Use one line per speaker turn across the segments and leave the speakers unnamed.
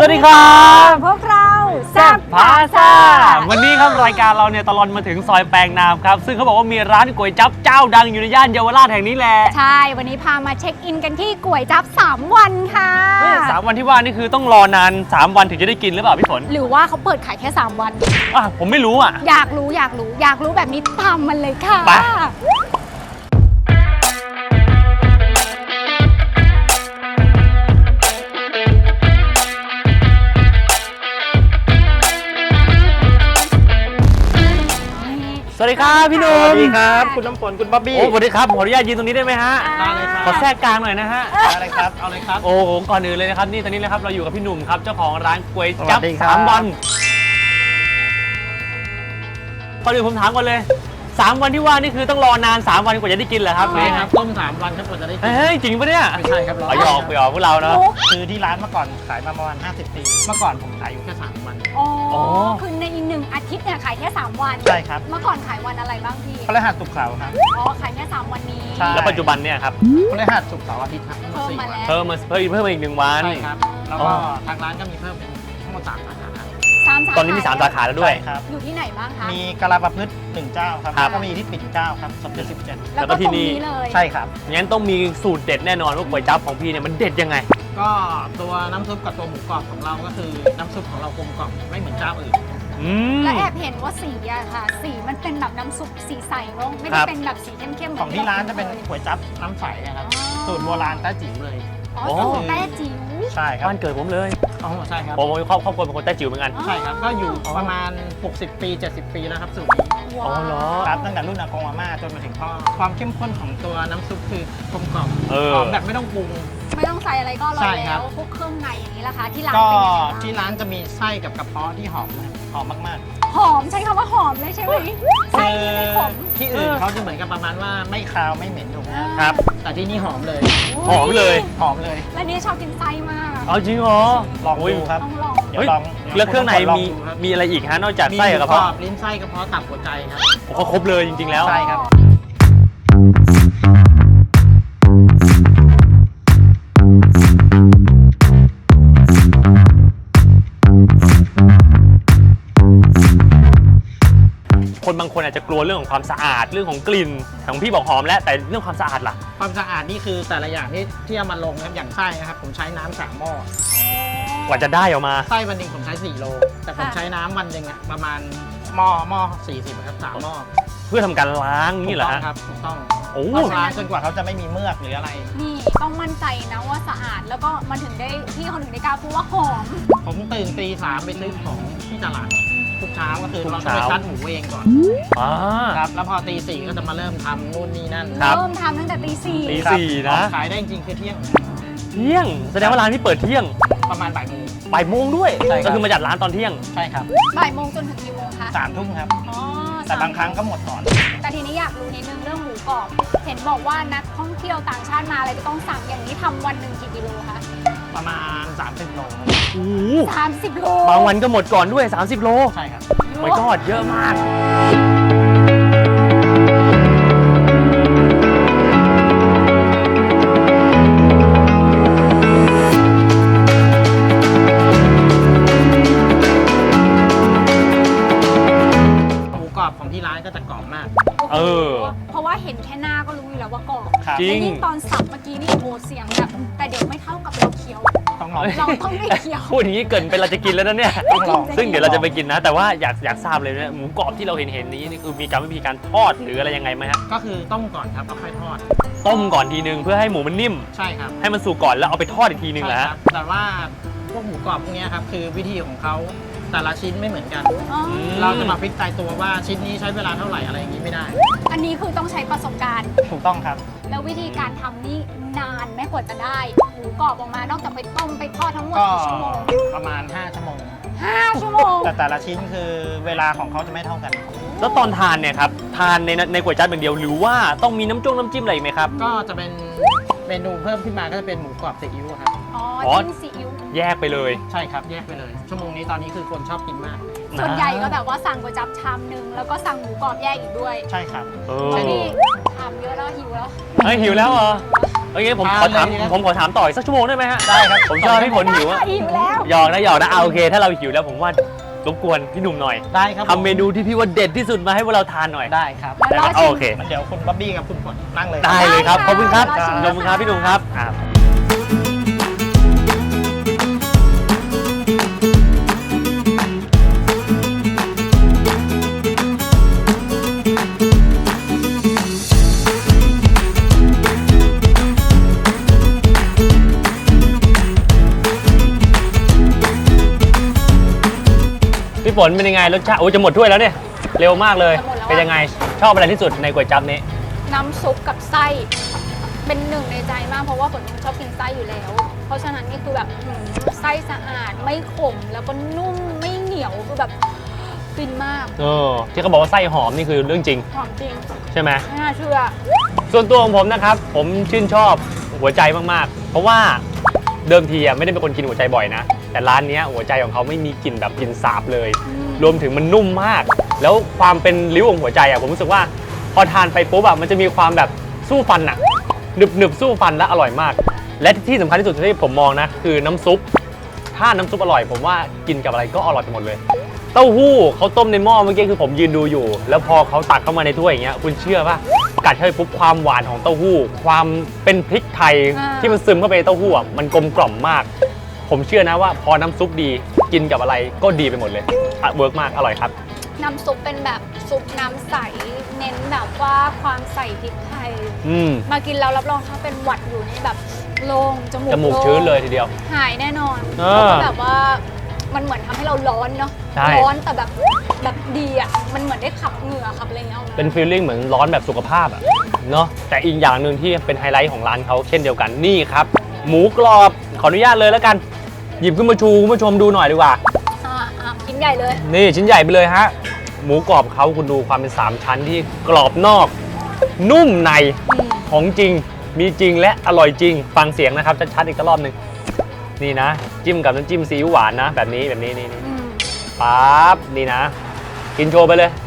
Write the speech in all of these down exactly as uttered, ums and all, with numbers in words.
วัสดีครับ
พวกเรา
แซ่บพาซ่าวันนี้ครับรายการเราเนี่ยตลอดมาถึงซอยแปลงนามครับซึ่งเขาบอกว่ามีร้านก๋วยจั๊บเจ้าดังอยู่ในย่านเยาวราชแห่งนี้แหละ
ใช่วันนี้พามาเช็คอินกันที่ก๋วยจั๊บสามวันค่ะ
สามวันที่ว่านี่คือต้องรอนานสามวันถึงจะได้กินหรือเปล่าพี่ฝน
หรือว่าเขาเปิดขายแค่สามวัน
อ่ะผมไม่รู้อ่ะ
อยากรู้อยากรู้อยากรู้แบบนี้ตามมันเลยค่ะ
ไปสวัสดีครับพี่หนุ่ม
สวัสดีครับคุณน้ำฝนคุณบ๊อบบี้
โอ้สวัสดีครับขออนุญาตยืนตรงนี้ได้ไหมฮะ
ได้เลยครับ
ขอแทรกกลางหน่อยนะฮะ
ได้เลยครับเอาเลยครับ
โอ้โหก่อนอื่นเลยนะครับนี่ตอนนี้เลยครับเราอยู่กับพี่หนุ่มครับเจ้าของร้านก๋วยจั๊บสามวันก่อนอื่นผมถามก่อนเลยสามวันที่ว่านี่คือต้องรอนานสามวันกว่าจะได้กินเหรอครับ
ใช่ครับต้มสามวันครับกว่าจะได้กิน
เฮ้ยจริงปะเนี่ย
ไม่ใช่ครับ
เราหยอกหยอกพวกเราเนาะ
คือที่ร้านเมื่อก่อนขายมาประมาณห้าสิบปีเมื่อก่อนผมขายอยู่แค่สามวัน
อ๋อคือในอีกหนึ่งอาทิตย์เนี่ยขายแค่สามวัน
ใช่ครับ
เมื่อก่อนขายวันอะไรบ้างพี่
พฤหัสศุกร์เสาร์ครับ
อ๋อขายแค่สามวันนี้
แล้วปัจจุบันเนี่ยครับ
พฤหัสศุกร์เสาร์อาทิตย์ครับ
เพิ่มมาแล้ว
เพิ่มมาเพิ่มเพิ่มมาอีกหนึ่งวัน
ใช่ครับแล้วก็ทางร้านก็มีเพิ่มเป็นทั้งหมดสามสาขา
ตอนนี้มีสามสาขาแล้วด้วย
ครับ
อยู่ที่ไหนบ้างคะ
มีกะลาประพฤติหนึ่งเจ้าครับแล้วก็มีที่ปิ่นเกล้าครับสมเด็จสิบเจ็ด
แล้วก็ที่นี่เลย
ใช่ครับ
งั้นต้องมีสูตรเด็ดแน่นอนว่าก๋วยจั๊บของพี่เนี่ยมันเด็ดยังไง
ก็ตัวน้ำซุปกับตัวหมูกรอบของเราก็คือน้ำซุปของเรากลมกล่อมไม่เหมือนเจ้าอื่น
และแอบเห็นว่าสีอะค่ะสีมันเป็นแบบน้ำซุปสีใสเนาะไม่ได้เป็นแบบสีเข้มๆ
ของที่ร้านจะเป็นก๋วยจั๊บน้ำใสนะครับสูตรโบราณแต้จิ๋วเลย
อ๋อสูตรแต้จิ๋ว
ใช่ครับ
บ้านเกิดผมเลย
อ๋อใช่ครับ
ผมครอบครอบครัวเป็นคนแต้จิ๋วเหมือนกัน
ใช่ครับก็อยู่ประมาณหกสิบปีเจ็ดสิบปีแล้วครับสูตรนี้
อ๋อเหรอ
ครับตั้งแต่รุ่นอากงอาม่าจนมาถึงพ่อความเข้มข้นของตัวน้ำซุปคือกลมกล่อมหอมแบบไม่ต้องปรุง
ไม่ต้องใส่อะไรก็อร่อยแล้วพวกเครื่องในอย่างนี้ล่ะคะที่ร้าน
ก็ที่ร้านจะมีไส้กับกระเพาะที่หอมหอมมาก
ๆหอมใช้คำว่าหอมเลยใช่ไหมไส้ที่ไม่ขม
ที่อื่นเขาจะเหมือนกับประมาณว่าไม่คาวไม่เหม็นถูกไหม
ครับ
แต่ที่นี่หอมเลย
หอมเลย
หอมเลย
และนี่ชอบกินไส้มาก
เอาจริงเหรอ
ลองดูครับ
ต้องลอง
เดี๋ยวลอง
แล้วเครื่องในมีมีอะไรอีกฮะนอกจากไส้กับกระเพาะ
ลิ้นไส้กระเพาะตับหัวใจครับ
เขาครบเลยจริงๆแล้ว
ใช่ครับ
คนบางคนอาจจะกลัวเรื่องของความสะอาดเรื่องของกลิ่นของพี่บอกหอมแล้วแต่เรื่องความสะอาดล่ะ
ความสะอาดนี่คือแต่ละอย่างที่ที่เอามาลงนะครับอย่างไส้นะครับผมใช้น้ำสามหม้
อกว่าจะได้ออกมา
ไส้วันหนึ่งผมใช้สี่โลแต่ผมใช้น้ำวันหนึ่งประมาณหม้อหม้อสี่สิบครับสามหม้อ
เพื่อทำการล้างนี่เหรอ
ครับถูกต้อง
โอ้
ล้างจนกว่าเขาจะไม่มีเมือกหรืออะไร
นี่ต้องมั่นใจนะว่าสะอาดแล้วก็มันถึงได้พี่เขาถึงได้กล้าพูดว่าหอม
ผมตื่นตีสามไปซื้อของที่ตลาดทุกเช้าก็คือเราจะไปคัดหมูเองก่อนครับแล้วพอตีสี่ก็จะมาเริ่มทำนู่นนี่นั่น
เริ่มทำตั้งแต่ตีสี่
ตีสี่นะ
ขายได้จริงคือเที่ยง
เที่ยงแสดงว่าร้านที่เปิดเที่ยง
ประมาณบ่ายโมง
บ่ายโมงด้วยก็คือมาจัดร้านตอนเที่ยง
ใช่ครับ
บ่ายโมงจนถึงกี่โมงคะ
สามทุ่มครับแต่บางครั้งก็หมดก่อน
แต่ทีนี้อยากรู้นิดนึงเรื่องหมูกรอบเห็นบอกว่านักท่องเที่ยวต่างชาติมาอะไรจะต้องสั่งอย่างนี้ทำวันหนึ่งกี่กิโลคะ
ประมาณสามสิบโล
โอ้
สามสิบโล
บางวันก็หมดก่อนด้วยสามสิบโล
ใช่ครับ
ไม่ก็เยอะมาก
ของที่ร้านก็จะกรอบมาก
เออ
เพราะว่าเห็นแค่หน้าก็รู้อยู่แล้วว่ากรอบ
จริง
ยิ่งตอนสับเมื่อกี้นี่โหเสียงแบบแต่เดี๋ยวไม่เท่ากับเราเคี้ยว
ต้องลอง
เราต้องไม่เคี้ยว
พูดอย่างนี้เกินไปเราจะกินแล้วนะเนี่ย
ต้องลอง
ซึ่งเดี๋ยวเราจะไปกินนะแต่ว่าอยากอยากทราบเลยนะหมูกรอบที่เราเห็นเห็นนี้นี่คือมีการวิธีการทอดหรืออะไรยังไงไหมฮะ
ก็คือต้มก่อนครับแล้วค่อยทอด
ต้มก่อนทีนึงเพื่อให้หมูมันนิ่ม
ใช่ครับ
ให้มันสุกก่อนแล้วเอาไปทอดอีกทีนึงแหละ
แต่ว่าพวกหมูกรอบพวกนี้ครับคือวิธีของเขาแต่ละชิ้นไม่เหมือนกันเราจะมาฟิกตายตัวว่าชิ้นนี้ใช้เวลาเท่าไหร่อะไรอย่างนี้ไม่ได้
อันนี้คือต้องใช้ประสบการณ์
ถูกต้องครับ
แล้ววิธีการทำนี่นานแม้กว่าจะได้หมูกรอบออกมานอกจากไปต้มไปทอดทั้งหมดกี่ชั่วโมง
ประมาณห้าชั่วโมง
ห้าชั่วโมง
แต่แต่ละชิ้นคือเวลาของเขาจะไม่เท่ากัน
แล้วตอนทานเนี่ยครับทานในในก๋วยจั๊บอย่างเดียวหรือว่าต้องมีน้ำจ้งน้ำจิ้มอะไรไหมครับ
ก็จะเป็นเมนูเพิ่มขึ้นมาก็จะเป็นหมูกรอบซีอิ๊วครับ
อ๋อจิ้มซีอิ๊ว
แยกไปเลย
ใช่ครับแยกไปเลยชั่วโมงนี้ตอนนี้คือคนชอบกินมาก
ส่วนใหญ่ก็แบบว่าสั่งก๋วยจั๊บชามนึงแล้วก็สั่งหมูกรอบแยกอีกด้วย
ใช่ครับ
นี่ทำเยอะแล้วหิวแล้ว
เฮ้ยหิวแล้วเหรอเโอเคผมขอถามผมขอถามต่ออีกสักชั่วโมงได้ไหมฮะได้ครับผมชอบพี่ฝนหิวอะ
หิวแล้ว
หยอกนะหยอกนะเอาโอเคถ้าเราหิวแล้วผมว่ารบกวนพี่หนุ่มหน่อย
ได้ครับ
ทำเมนูที่พี่ว่าเด็ดที่สุดมาให้พวกเราทานหน่อย
ได้ครับ
ได้ครับโอเค
เดี๋ยวคุณบ๊อบบี้กับคุณฝนนั่งเลย
ได้เลยครับขอบคุณครับ
รอชิม
ขอบคุณครับพี่หนุ่มครับอ่า พี่ฝนเป็นยังไงรสชาติโอ้จะหมดถ้วยแล้วเนี่ยเร็วมากเลย
จะหมดแล้วอะ
เป็นยังไงชอบอะไรที่สุดในก๋วยจั๊บนี้
น้ำซุปกับไส้เป็นหนึ่งในใจมากเพราะว่าฝนชอบกินไส้อยู่แล้ว เพราะฉะนั้นนี่คือแบบหืมไส้สะอาดไม่ขมแล้วก็นุ่มไม่เหนียวคือแบบฟินมาก
เออที่เขาบอกว่าไส้หอมนี่คือเรื่องจริง
หอมจริง
ใช่ไหม
ไม่น่าเชื่อ
ส่วนตัวของผมนะครับผมชื่นชอบหัวใจมากๆ เพราะว่าเดิมทีอ่ะไม่ได้เป็นคนกินหัวใจบ่อยนะแต่ร้านนี้หัวใจของเขาไม่มีกลิ่นแบบกลิ่นสาบเลย
อืม
รวมถึงมันนุ่มมาก แล้วความเป็นริ้วของหัวใจอ่ะผมรู้สึกว่าพอทานไปปุ๊บอ่ะมันจะมีความแบบสู้ฟันอ่ะหนึบหนึบสู้ฟันและอร่อยมาก และที่สำคัญที่สุดที่ผมมองนะคือน้ำซุปถ้าน้ำซุปอร่อยผมว่ากินกับอะไรก็อร่อยไปหมดเลย เต้าหู้เขาต้มในหม้อเมื่อกี้คือผมยืนดูอยู่ แล้วพอเขาตักเข้ามาในถ้วยอย่างเงี้ยคุณเชื่อป่ะกัดเข้าไปปุ๊บความหวานของเต้าหู้ ความเป็นพริกไทย
อ่า
ที่มันซึมเข้าไปในเต้าหู้อ่ะมันกลมกล่อมมาก ผมเชื่อนะว่าพอน้ำซุปดีกินกับอะไรก็ดีไปหมดเลยอ่ะเวิร์กมากอร่อยครับ
น้ำซุปเป็นแบบซุปน้ำใสเน้นแบบว่าความใส่พริกไทย
อืม
มากินแล้วรับรองถ้าเป็นหวัดอยู่นี่แบบโล่งจมูก
จมูก
โล่ง
ชื้นเลยทีเดียว
หายแน่นอน
เออ
แล้วก็แบบว่ามันเหมือนทำให้เราร้อนเนาะ
ใช่
ร้อนแต่แบบแบบดีอ่ะมันเหมือนได้ขับเหงื่อขับอะไรอย่างเงี้ยออกมา
เป็นฟีลลิ่งเหมือนร้อนแบบสุขภาพอะเนาะแต่อีกอย่างหนึ่งที่เป็นไฮไลท์ของร้านเขาเช่นเดียวกันนี่ครับ หมูกรอบขออนุญาตเลยแล้วกัน หยิบขึ้นมาชูคุณผู้ชมดูหน่อยดีกว่า
อ่าอ่ากินใหญ่เลย
นี่ชิ้นใหญ่ไปเลยฮะ หมูกรอบเขาคุณดูความเป็นสามชั้นที่กรอบนอก นุ่มใน
อืม
ของจริงมีจริงและอร่อยจริง ฟังเสียงนะครับชัดๆอีกรอบหนึ่งนี่นะ จิ้มกับน้ำจิ้มซีอิ๊วหวานนะ แบบนี้แบบนี้นี่นี่
อืม
ปั๊บนี่นะ กินโชว์ไปเลย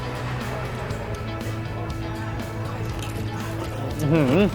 อื้อหือก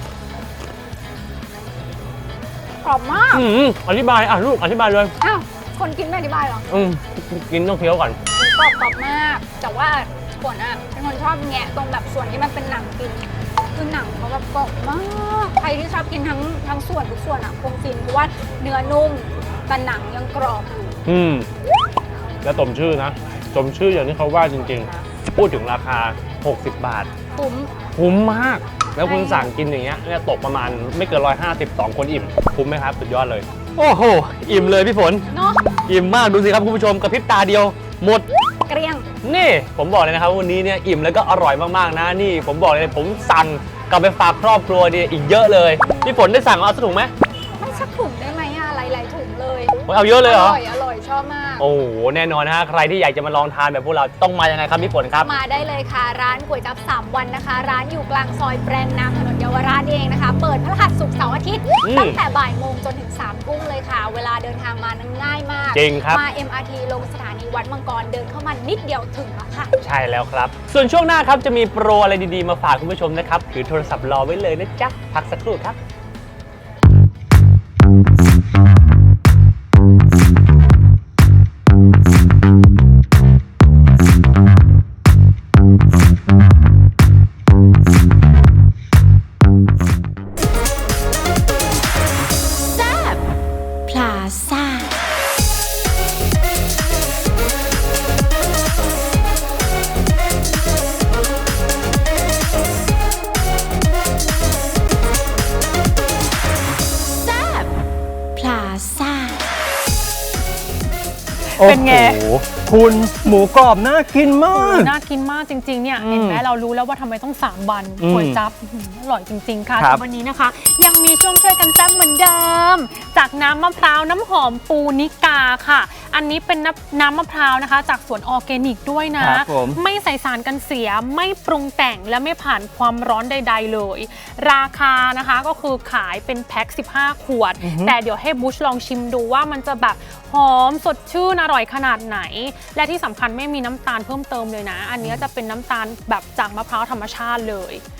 รอบมาก
อื้อหืออธิบายอ่ะลูกอธิบายเลย
อ้าวคนกินไม่อธิบายหรอ
อืมกินต้องเคี้ยวก่อน
กรอบกรอบมาก แต่ว่าฝนอ่ะเป็นคนชอบแงะตรงแบบส่วนที่มันเป็นหนังกินคือหนังเขาแบบกรอบมากใครที่ชอบกินทั้งทั้งส่วนทุกส่วนอ่ะคงฟินเพราะว่าเนื้อนุ่มแต่หนังยังกรอบอยู่
อืมแล้วสมชื่อนะสมชื่ออย่างที่เขาว่าจริงๆ พูดถึงราคา หกสิบบาท
คุ้ม
คุ้มมาก แล้วคุณ
ใช่
สั่งกินอย่างเงี้ยเนี่ยตกประมาณไม่เกินร้อยห้าสิบสองคนอิ่ม คุ้มไหมครับ สุดยอดเลย โอ้โห อิ่มเลยพี่ฝน
เนาะ
อิ่มมากดูสิครับคุณผู้ชมกระพริบตาเดียว หมด
เกลี้ยง
นี่ผมบอกเลยนะครับวันนี้เนี่ยอิ่มแล้วก็อร่อยมากๆนะนี่ ผมบอกเลยผมสั่งกลับไปฝากครอบครัวเนี่ยอีกเยอะเลยพี่ฝนได้สั่งเอาสักถุงไหม
ไม่สักถุงได้ไหมอะหลายๆถุงเลย
โอ้ยเอาเยอะเลยเหรอ
ร่อยอร่อยชอบมาก
โอ้โหแน่นอนนะฮะใครที่อยากจะมาลองทานแบบพวกเราต้องมายังไงครับพี่ฝนครับ
มาได้เลยค่ะ ร้านก๋วยจั๊บสามวันนะคะ ร้านอยู่กลางซอยแปลงนามถนนเยาวราชเองนะคะ เปิดพฤหัสศุกร์เสาร์อาทิตย์
อืม
ตั้งแต่บ่ายโมงจนถึงสามทุ่มเลยค่ะ เวลาเดินทางมานั้นง่ายมาก
จริงครับ
มา เอ็ม อาร์ ที ลงสถานีวัดมังกรเดินเข้ามานิดเดียวถึงแล้วค่ะ
ใช่แล้วครับ ส่วนช่วงหน้าครับจะมีโปรอะไรดีๆมาฝากคุณผู้ชมนะครับถือโทรศัพท์รอไว้เลยนะจ๊ะพักสักครู่ครับ
พลาซ่า แซบพลาซ่า
เป็นไง
โอ้โห
คุณหมูกรอบน่ากินมาก
น่ากินมากจริงๆเนี่ย
อืม
เห็นไหมเรารู้แล้วว่าทำไมต้องสามวัน
อืม
ก๋วยจั๊บอื้อหืออร่อยจริงๆค่ะ
ครับ
แต่วันนี้นะคะ ยังมีช่วงช่วยกันแซ่บเหมือนเดิม จากน้ำมะพร้าวน้ำหอมปูนิกาค่ะ อันนี้เป็นน้ำน้ำมะพร้าวนะคะ จากสวนออร์แกนิกด้วยนะ
ครับผม
ไม่ใส่สารกันเสียไม่ปรุงแต่งและไม่ผ่านความร้อนใด ๆ เลย ราคานะคะก็คือขายเป็นแพ็คสิบห้าขวด แต่เดี๋ยวให้บุชลองชิมดูว่ามันจะแบบหอมสดชื่นอร่อยขนาดไหน และที่สำคัญไม่มีน้ำตาลเพิ่มเติมเลยนะ อันนี้จะเป็นน้ำตาลแบบจากมะพร้าวธรรมชาติเลยอ่า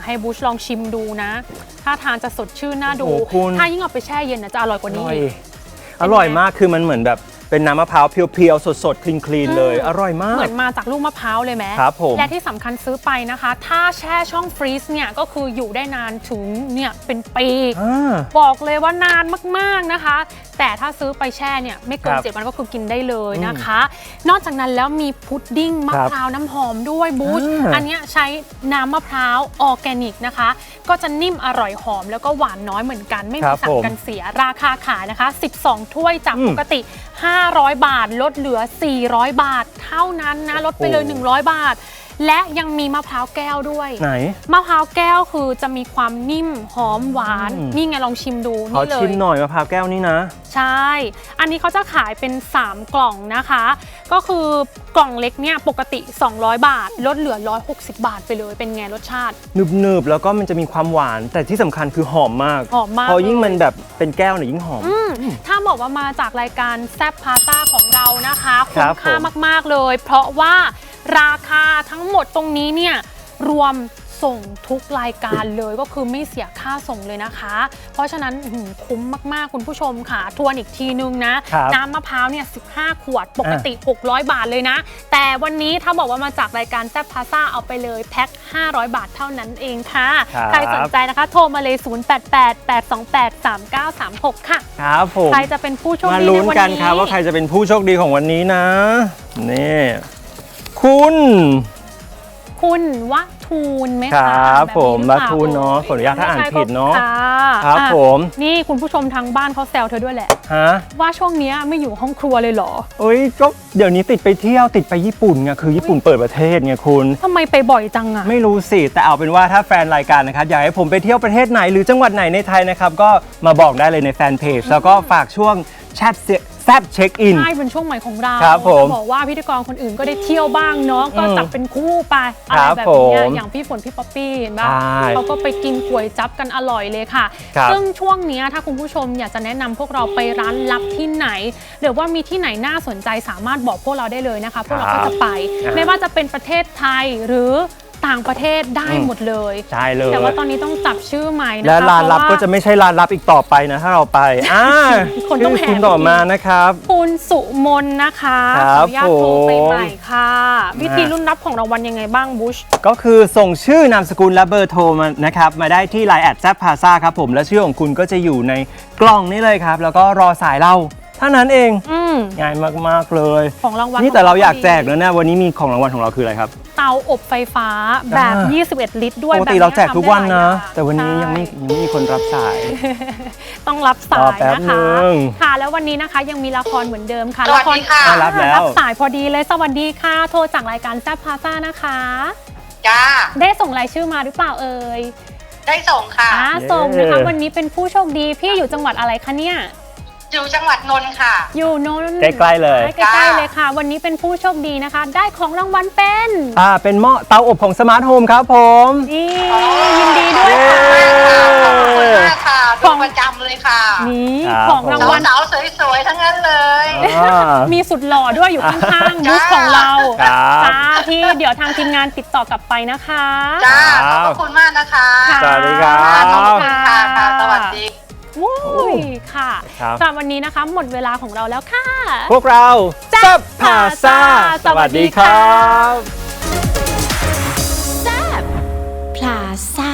ให้บูชลองชิมดูนะ ถ้าทานจะสดชื่นน่าดู
โอ้โหคุณ
ถ้ายิ่งเอาไปแช่เย็นนะจะอร่อยกว่า
อ
นี้
ร่อย
อีก
อร่อยมากคือมันเหมือนแบบเป็นน้ำมะพร้าวเพียวๆ สดๆ คลีนๆ เลย
อืม
อร่อยมาก
เหมือนมาจากลูกมะพร้าวเลยไหม
ครับผม
และที่สำคัญซื้อไปนะคะ ถ้าแช่ช่องฟรีซเนี่ยก็คืออยู่ได้นานถึงเนี่ยเป็นปี
อ่า
บอกเลยว่านานมากๆนะคะ แต่ถ้าซื้อไปแช่เนี่ยไม่เกิน
ครับ
เจ็ดวันก็คือกินได้เลยนะคะ นอกจากนั้นแล้วมีพุดดิ้งมะ
ครับ
พร้าวน้ำหอมด้วยบูช
อ่า
อันเนี้ยใช้น้ำมะพร้าวออร์แกนิกนะคะ ก็จะนิ่มอร่อยหอมแล้วก็หวานน้อยเหมือนกัน ไม่
ครั
มี
บ
สั่ง
ผม
กันเสียราคาขายนะคะ สิบสอง ถ้วยจาก
อืม
ปกติ ห้าร้อยบาทลดเหลือ สี่ร้อยบาท เท่านั้นนะลดไปเลย
โอ้
หนึ่งร้อยบาท และยังมีมะพร้าวแก้วด้วย
ไหน
มะพร้าวแก้วคือจะมีความนิ่มหอมหวาน
อืม
นี่ไงลองชิมดู
ขอ
นี่เล
ชิม
ย
หน่อยมะพร้าวแก้วนี่นะ
ใช่ อันนี้เขาจะขายเป็น สาม กล่องนะคะ ก็คือกล่องเล็กเนี่ยปกติ สองร้อยบาท ลดเหลือ หนึ่งร้อยหกสิบ บาทไปเลย เป็นไงรสชาติ
หนึบๆ แล้วก็มันจะมีความหวาน แต่ที่สำคัญคือหอมมาก
หอมมาก
พอยิ่ง
เลย
มันแบบเป็นแก้วเนี่ยยิ่งหอม
อืมถ้าบอกว่ามาจากรายการแซบพาซ่าของเรานะคะ
ครั
คุ้
บ
มค่า
ผม
มาก ๆ เลย เพราะว่าราคาทั้งหมดตรงนี้เนี่ยรวมส่งทุกรายการเลยก็คือไม่เสียค่าส่งเลยนะคะ เพราะฉะนั้นอื้อหือคุ้มมาก ๆ คุณผู้ชมค่ะทวนอีกทีนึงนะ
ครับ
น้ำมะพร้าวเนี่ยสิบห้า ขวดปกติ หกร้อย บาทเลยนะ แต่วันนี้ถ้าบอกว่ามาจากรายการแซบพาซ่าเอาไปเลยแพ็คห้าร้อย บาทเท่านั้นเองค่ะ
ครับ
ใครสนใจนะคะ โทรมาเลย ศูนย์ แปด แปด แปด สอง แปด สาม เก้า สาม หก ค่ะ
ครับผม
ใครจะเป็นผู้โชค
มา
ดีใน
ลุ้น
วัน
กัน
นี้
ครับว่าใครจะเป็นผู้โชคดีของวันนี้นะ นี่ คุณ
คุณวัทูลไหม
คร
คะ
ับ
แบบ
ผม
นี้หรือ
วั
เปล่า
ทูลเนาะขออนุญาตถ้าอ่าน
ไม่ใช่
ผิดเนาะ
ค่ะ
ครับ
อ่ะ
ผม
นี่คุณผู้ชมทางบ้านเขาแซวเธอด้วยแหละ
ฮะ
ว่าช่วงเนี้ยไม่อยู่ห้องครัวเลยเหรอ
เอ้ยก็เดี๋ยวนี้ติดไปเที่ยวติดไปญี่ปุ่นไงคือญี่ปุ่นเปิดประเทศไงคุณ
ทำไมไปบ่อยจังอะ
ไม่รู้สิ แต่เอาเป็นว่าถ้าแฟนรายการนะครับอยากให้ผมไปเที่ยวประเทศไหนหรือจังหวัดไหนในไทยนะครับ ก็มาบอกได้เลยในแฟนเพจแล้วก็ฝากช่วงแชทแซบเช็คอิน
ใช่เป็นช่วงใหม่ของเรา
ครับผม
จะบอกว่าพิธีกรคนอื่นก็ได้เที่ยวบ้างเนาะก็
อืม
จับเป็นคู่ไปอะ
ค
ไร
รับ
แบบเนี้ย
ผม
อย่างพี่ฝนพี่ป๊อปปี้เห็นป่ะ
ใช่
เขาก็ไปกินก๋วยจั๊บกันอร่อยเลยค่ะ
ครับ
ซึ่งช่วงเนี้ยถ้าคุณผู้ชมอยากจะแนะนำพวกเราไปร้านลับที่ไหน หรือว่ามีที่ไหนน่าสนใจสามารถบอกพวกเราได้เลยนะคะ พวกเราก็จะไป
ครับ
ไม่ว่าจะเป็นประเทศไทยหรือต่างประเทศได้
อืม
หมดเลย
ใช่เลย
แต่ว่าตอนนี้ต้องจับชื่อใหม่นะคะ
และร้านลับ
เพ
ก็
ราะว่า
จะไม่ใช่ร้านลับอีกต่อไปนะถ้าเราไปอ่า
คนต้องแห่
ชื่คุณต่อมานะครับ
คุณสุมนนะคะ
ค
ข
รั
อบ อนุญาตโทรไป
ผม
ใหม่ค่ะ วิธีรุ่นรับของรางวัลยังไงบ้างบุช
ก็คือส่งชื่อนามสกุลและเบอร์โทรมานะครับมาได้ที่ ไลน์ แอท แซบพาซ่าครับผมและชื่อของคุณก็จะอยู่ในกล่องนี้เลยครับ แล้วก็รอสายเราเท่านั้นเอง
อืม
ง่ายมากๆเลย
ของรางวัล
นี่แต่เราอยาก
ดี
แจกแล้วนะวันนี้มีของรางวัลของเราคืออะไรครับ
เตาอบไฟฟ้าแบบ
อ่า
ยี่สิบเอ็ด ลิตรด้วย
ปกติ
แบบ
เราแจกทุกวันนะ
ทำได้หลายอย่าง
แต่วันนี้ยังไม่
ใช่
ยังไม่มีคนรับสาย
ต้องรับสาร
อย แป๊บ
นะคะ
นึง
ค่ะ แล้ววันนี้นะคะยังมีละครเหมือนเดิมค่ะ
สวัสดีค่ะ
ละคร
รับแล้ว
รับสายพอดีเลยสวัสดีค่ะ โทรจากรายการแซบพาซ่านะคะ
จ้า
ได้ส่งรายชื่อมาหรือเปล่าเอ่ย
ได้ส่งค่ะ
อ่าส่งนะคะวันนี้เป็นผู้โชคดีพี่อยู่จังหวัดอะไรคะเนี่ย
อยู่จังหวัดนนท์ค่ะ
อยู่นนท์
ใกล้ๆเลย
ใกล้ๆเลยค่ะ วันนี้เป็นผู้โชคดีนะคะ ได้ของรางวัลเป็น
อ่าเป็นหม้อเตาอบของสมาร์ทโฮมครับผม
นี่ยินดีด้วยค่ะ
ขอบคุณมากค่ะ
ข
ดู
อง
ประจำเลยค่ะ
นี่
ครับ
ของรางวัล
สาวๆสวยๆทั้งนั้นเลย
อ่า
มีสุดหล่อด้วยอยู่ข้างๆ
จ้า
บูธของเรา
ครับ
จ้าพี่เดี๋ยวทางทีมงานติดต่อกลับไปนะคะ
จ้า ขอบพระคุณมากนะคะ
ค่ะ
สวัสดีครับ
ขอบคุณค่ะค่ะ สวัสดี
วุ้ยค่ะ
ครับ
สำหรับวันนี้นะคะหมดเวลาของเราแล้วค่ะ
พวกเรา
แซ่บพาซ่าสวัสดีครับ
แซบพลาซ่า